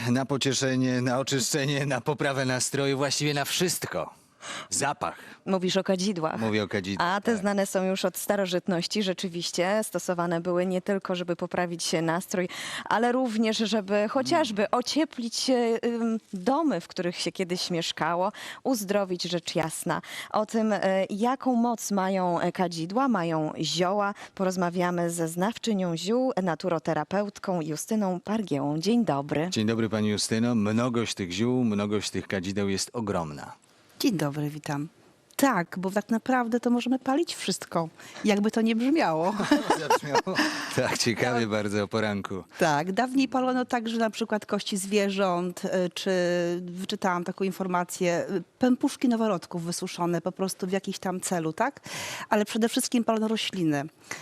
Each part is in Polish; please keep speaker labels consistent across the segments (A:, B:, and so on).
A: na pocieszenie, na oczyszczenie, na poprawę nastroju, właściwie na wszystko. Zapach.
B: Mówisz o kadzidłach.
A: Mówię o kadzidłach.
B: A te
A: tak.
B: znane są już od starożytności. Rzeczywiście stosowane były nie tylko, żeby poprawić nastrój, ale również, żeby chociażby ocieplić domy, w których się kiedyś mieszkało, uzdrowić, rzecz jasna. O tym, jaką moc mają kadzidła, mają zioła, porozmawiamy ze znawczynią ziół, naturoterapeutką Justyną Pargiełą. Dzień dobry.
A: Dzień dobry pani Justyno. Mnogość tych ziół, mnogość tych kadzideł jest ogromna.
C: Dzień dobry, witam. Tak, bo tak naprawdę to możemy palić wszystko, jakby to nie brzmiało.
A: Tak, ciekawie bardzo o poranku.
C: Tak, dawniej palono także na przykład kości zwierząt, czy wyczytałam taką informację, pępuszki noworodków wysuszone po prostu w jakiś tam celu, tak? Ale przede wszystkim palono rośliny,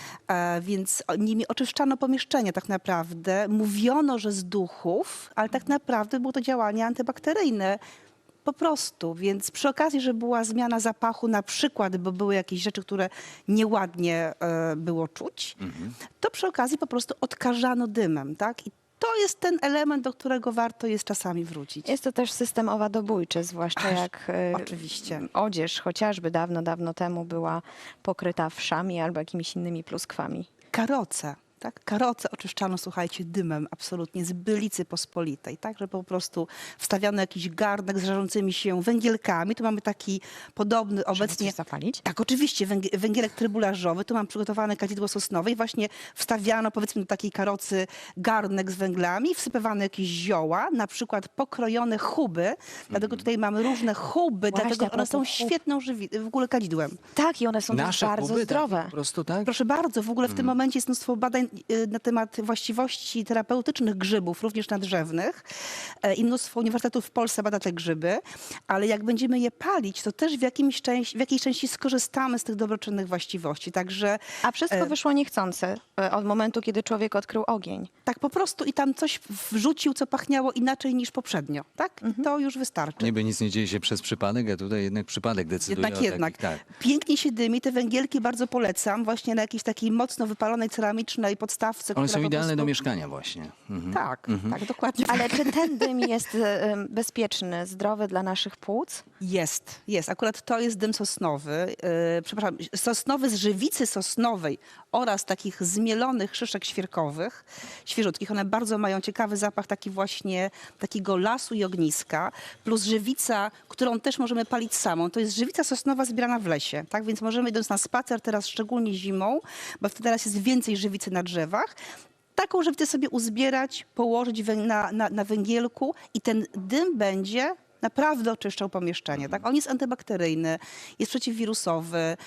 C: więc nimi oczyszczano pomieszczenia tak naprawdę. Mówiono, że z duchów, ale tak naprawdę było to działanie antybakteryjne. Po prostu, więc przy okazji, że była zmiana zapachu na przykład, bo były jakieś rzeczy, które nieładnie było czuć, to przy okazji po prostu odkażano dymem, tak? I to jest ten element, do którego warto jest czasami wrócić.
B: Jest to też system owadobójczy, zwłaszcza jak
C: oczywiście.
B: odzież chociażby dawno, dawno temu była pokryta wszami albo jakimiś innymi pluskwami.
C: Karoce. Tak? Karoce oczyszczano, słuchajcie, dymem absolutnie z Bylicy Pospolitej, tak? Że po prostu wstawiano jakiś garnek z żarzącymi się węgielkami. Tu mamy taki podobny
B: Żeby
C: obecnie...
B: coś zapalić?
C: Tak, oczywiście, węgielek trybularzowy. Tu mam przygotowane kadzidło sosnowe i właśnie wstawiano, powiedzmy, do takiej karocy garnek z węglami, wsypywano jakieś zioła, na przykład pokrojone chuby. Dlatego tutaj mamy różne chuby,
B: Właśnie,
C: dlatego
B: a
C: one są
B: propos chub.
C: świetną w ogóle kadzidłem.
B: Tak, i one są też
A: Nasze
B: bardzo
A: kuby,
B: zdrowe.
A: Tak, po prostu, tak?
C: Proszę bardzo, w ogóle w tym momencie jest mnóstwo badań na temat właściwości terapeutycznych grzybów, również nadrzewnych. I mnóstwo uniwersytetów w Polsce bada te grzyby, ale jak będziemy je palić, to też w jakiejś części skorzystamy z tych dobroczynnych właściwości. Także
B: A wszystko wyszło niechcące od momentu, kiedy człowiek odkrył ogień.
C: tak po prostu i tam coś wrzucił, co pachniało inaczej niż poprzednio. Tak? I to już wystarczy.
A: Niby nic nie dzieje się przez przypadek, a tutaj jednak przypadek decyduje
C: Jednak.
A: o takich, tak.
C: Pięknie się dymi. Te węgielki bardzo polecam właśnie na jakiejś takiej mocno wypalonej ceramicznej podstawce.
A: One
C: która
A: są
C: po
A: idealne
C: prostu...
A: do mieszkania właśnie. Mhm.
C: Tak, tak, dokładnie.
B: Ale czy ten dym jest bezpieczny, zdrowy dla naszych płuc?
C: Jest. Akurat to jest dym sosnowy. Przepraszam, sosnowy z żywicy sosnowej oraz takich zmielonych szyszek świerkowych, świeżutkich. One bardzo mają ciekawy zapach taki właśnie takiego lasu i ogniska. Plus żywica, którą też możemy palić samą. To jest żywica sosnowa zbierana w lesie. Tak więc możemy idąc na spacer teraz, szczególnie zimą, bo wtedy teraz jest więcej żywicy na drzewach, taką żywicę sobie uzbierać, położyć na węgielku i ten dym będzie naprawdę oczyszczał pomieszczenie. Tak? On jest antybakteryjny, jest przeciwwirusowy.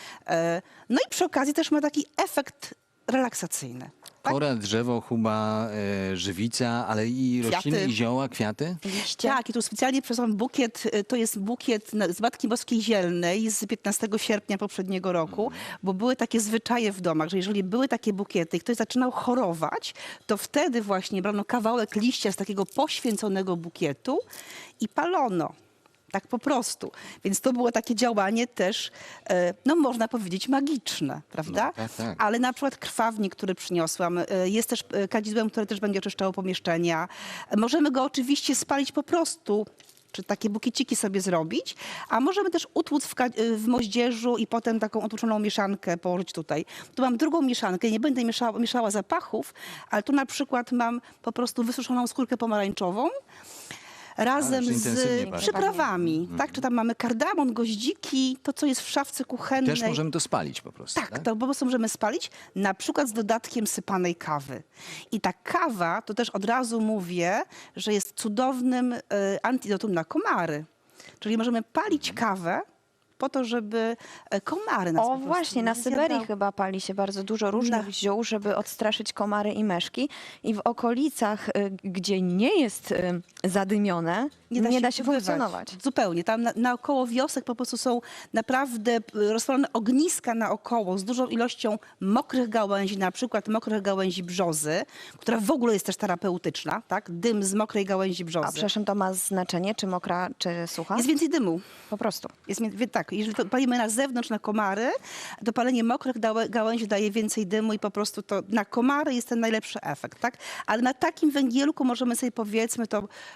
C: No i przy okazji też ma taki efekt relaksacyjny. Tak?
A: Kora, drzewo, chuba, żywica, ale i rośliny,
C: Kwiaty.
A: i zioła, kwiaty.
B: Liście?
C: Tak, i tu specjalnie przesłałam bukiet, to jest bukiet z Matki Boskiej Zielnej z 15 sierpnia poprzedniego roku, bo były takie zwyczaje w domach, że jeżeli były takie bukiety i ktoś zaczynał chorować, to wtedy właśnie brano kawałek liścia z takiego poświęconego bukietu i palono. Tak po prostu. Więc to było takie działanie też, no można powiedzieć, magiczne, prawda?
A: No, tak.
C: Ale na przykład krwawnik, który przyniosłam, jest też kadzidłem, które też będzie oczyszczało pomieszczenia. Możemy go oczywiście spalić po prostu, czy takie bukieciki sobie zrobić, a możemy też utłuc w moździerzu i potem taką otłuczoną mieszankę położyć tutaj. Tu mam drugą mieszankę, nie będę mieszała zapachów, ale tu na przykład mam po prostu wysuszoną skórkę pomarańczową, razem
A: Ależ intensywnie
C: z
A: pachnie.
C: przyprawami, tak? Czy tam mamy kardamon, goździki, to co jest w szafce kuchennej.
A: Też możemy to spalić po prostu.
C: Tak, to po prostu możemy spalić, na przykład z dodatkiem sypanej kawy. I ta kawa, to też od razu mówię, że jest cudownym antidotum na komary. Czyli możemy palić kawę po to, żeby komary nas po
B: O
C: prostu
B: właśnie, na
C: nie
B: Syberii
C: zjadały.
B: chyba pali się bardzo dużo różnych ziół, żeby odstraszyć komary i meszki. I w okolicach, gdzie nie jest zadymione, nie da się
C: ubywać.
B: funkcjonować.
C: Zupełnie. Tam naokoło wiosek po prostu są naprawdę rozpalone ogniska naokoło z dużą ilością mokrych gałęzi, na przykład mokrych gałęzi brzozy, która w ogóle jest też terapeutyczna, tak? Dym z mokrej gałęzi brzozy.
B: A przepraszam, to ma znaczenie, czy mokra, czy sucha?
C: Jest więcej dymu.
B: Po prostu.
C: Tak, jeżeli to palimy na zewnątrz, na komary, to palenie mokrych gałęzi daje więcej dymu i po prostu to na komary jest ten najlepszy efekt, tak? Ale na takim węgielku możemy sobie, powiedzmy, to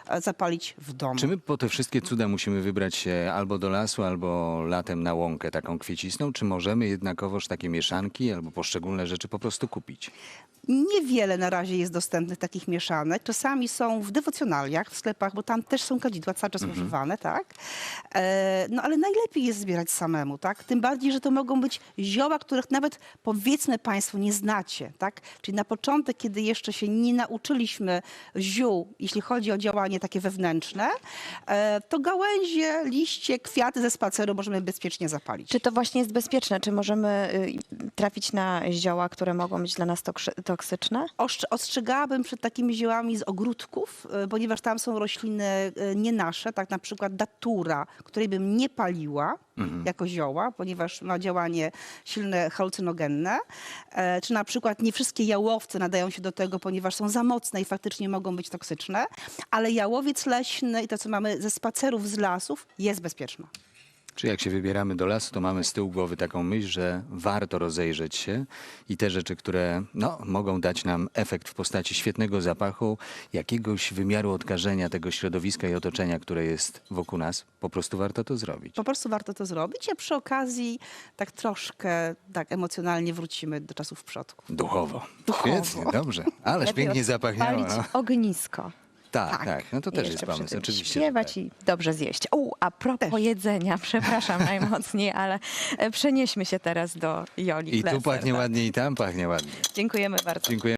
C: zapalić w domu.
A: Czy my po te wszystkie cuda musimy wybrać się albo do lasu, albo latem na łąkę taką kwiecisną? Czy możemy jednakowoż takie mieszanki albo poszczególne rzeczy po prostu kupić?
C: Niewiele na razie jest dostępnych takich mieszanek. Czasami są w dewocjonaliach, w sklepach, bo tam też są kadzidła cały czas używane, tak? No ale najlepiej jest zbierać samemu, tak? Tym bardziej, że to mogą być zioła, których nawet powiedzmy państwo nie znacie, tak? Czyli na początek, kiedy jeszcze się nie nauczyliśmy ziół, jeśli chodzi o działanie takie wewnętrzne, to gałęzie, liście, kwiaty ze spaceru możemy bezpiecznie zapalić.
B: Czy to właśnie jest bezpieczne? Czy możemy trafić na zioła, które mogą być dla nas toksyczne?
C: Ostrzegałabym przed takimi ziołami z ogródków, ponieważ tam są rośliny nie nasze, tak na przykład datura, której bym nie paliła jako zioła, ponieważ ma działanie silne halucynogenne. Czy na przykład nie wszystkie jałowce nadają się do tego, ponieważ są za mocne i faktycznie mogą być toksyczne, ale jałowiec leśny i to, co mamy ze spacerów z lasów, jest bezpieczne.
A: Czy jak się wybieramy do lasu, to mamy z tyłu głowy taką myśl, że warto rozejrzeć się i te rzeczy, które mogą dać nam efekt w postaci świetnego zapachu, jakiegoś wymiaru odkażenia tego środowiska i otoczenia, które jest wokół nas, po prostu warto to zrobić.
C: Po prostu warto to zrobić, a przy okazji tak troszkę tak emocjonalnie wrócimy do czasów przodków.
A: Duchowo.
B: Duchowo.
A: Świetnie, dobrze. Ależ
B: Lepiej
A: pięknie zapachniało.
B: Palić
A: No.
B: ognisko.
A: Tak, tak. No to
B: I
A: też
B: jeszcze
A: jest
B: przy
A: pomysł,
B: tym
A: oczywiście. że
B: Śpiewać
A: tak.
B: i dobrze zjeść. A propos jedzenia, przepraszam najmocniej, ale przenieśmy się teraz do Joli
A: I tu
B: Kleser,
A: pachnie
B: tak.
A: ładnie, i tam pachnie ładnie.
B: Dziękujemy bardzo.
A: Dziękuję.